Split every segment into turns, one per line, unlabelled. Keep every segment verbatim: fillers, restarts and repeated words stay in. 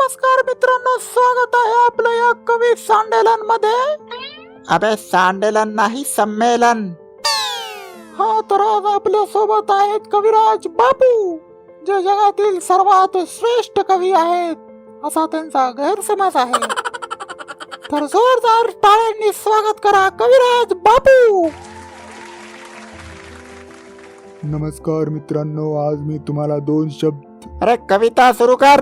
नमस्कार मित्रांनो, स्वागत आहे आपलं या कवी संमेलन मध्ये. अबे संमेलन नाही, संमेलन. हा तर आज आपल्या सोबत आहेत कविराज बापू, जे जगातील सर्वात श्रेष्ठ कवी आहेत असा त्यांचा गैरसमज आहे. तर जोरदार टाळ्यांनी स्वागत करा कविराज बापू.
नमस्कार मित्रांनो, आज मी तुम्हाला दोन शब्द.
अरे कविता सुरू कर.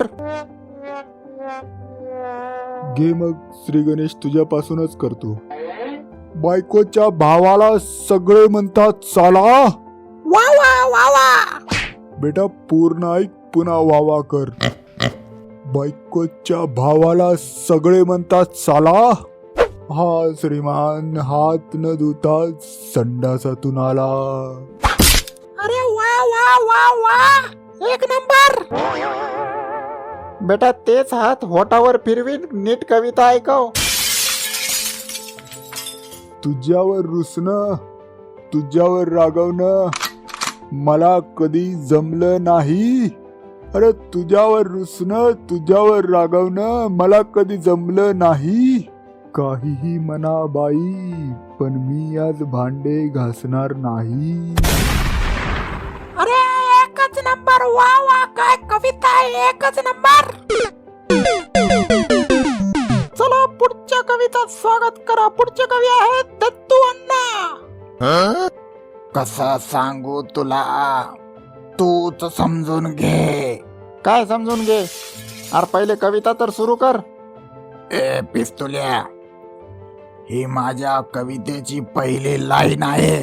घे मग, श्री गणेश तुझ्यापासूनच करतो. बायकोच्या भावाला सगळे म्हणतात साला.
वा वा वा वा.
बेटा पूर्ण ऐक, पुन्हा वावा कर. बायकोच्या भावाला सगळे म्हणतात साला. हा श्रीमान हात न धुता संडासातून आला.
अरे वा वा वा वा, एक नंबर. बेटा तेच हात होटावर फिरवीन, नीट कविता ऐकव.
तुझ्यावर रुसणं, तुझ्यावर रागवणं मला कधी जमलं नाही. अरे तुझ्यावर रुसणं, तुझ्यावर रागवणं मला कधी जमलं नाही. काहीही म्हणा बाई, पण मी आज भांडे घासणार नाही.
अरे एकच नंबर, वा वा, काय कविता आहे, एकच नंबर. चला पुढच्या कविता स्वागत करा. पुढचे कवी आहेत दत्तू अण्णा. कसं सांगू तुला, तूच समजून घे. काय समजून घे? अरे पहिले कविता तर सुरू कर. ए पिस्तुल्या, ही माझ्या कवितेची पहिली लाईन आहे.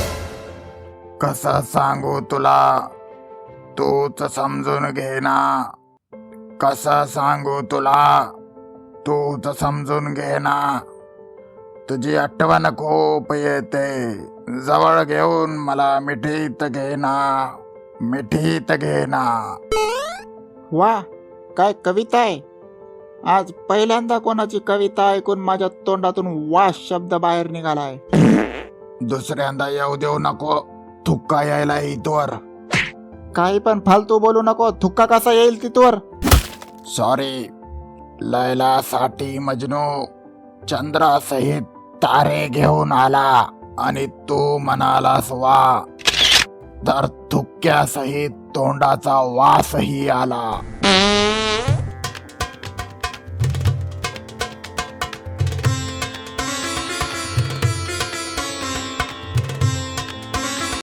कसं सांगू तुला, तूच समजून घे ना. कसं सांगू तुला, तूच समजून घे ना. तुझी आठवण खूप येते, जवळ घेऊन मला मिठीत घे ना, मिठीत घे ना. वा, काय कविता आहे. आज पहिल्यांदा कोणाची कविता ऐकून माझ्या तोंडातून वा शब्द बाहेर निघालाय. दुसऱ्यांदा येऊ देऊ नको, थुक्का यायला इथवर. काही पण फालतू बोलू नको, थुक्का कसा येईल तिथवर. सॉरी. लैलासाठी मजनू चंद्रासहित तारे घेऊन आला आणि तू म्हणालास वा, तर थुक्क्यासहित तोंडाचा वासही आला.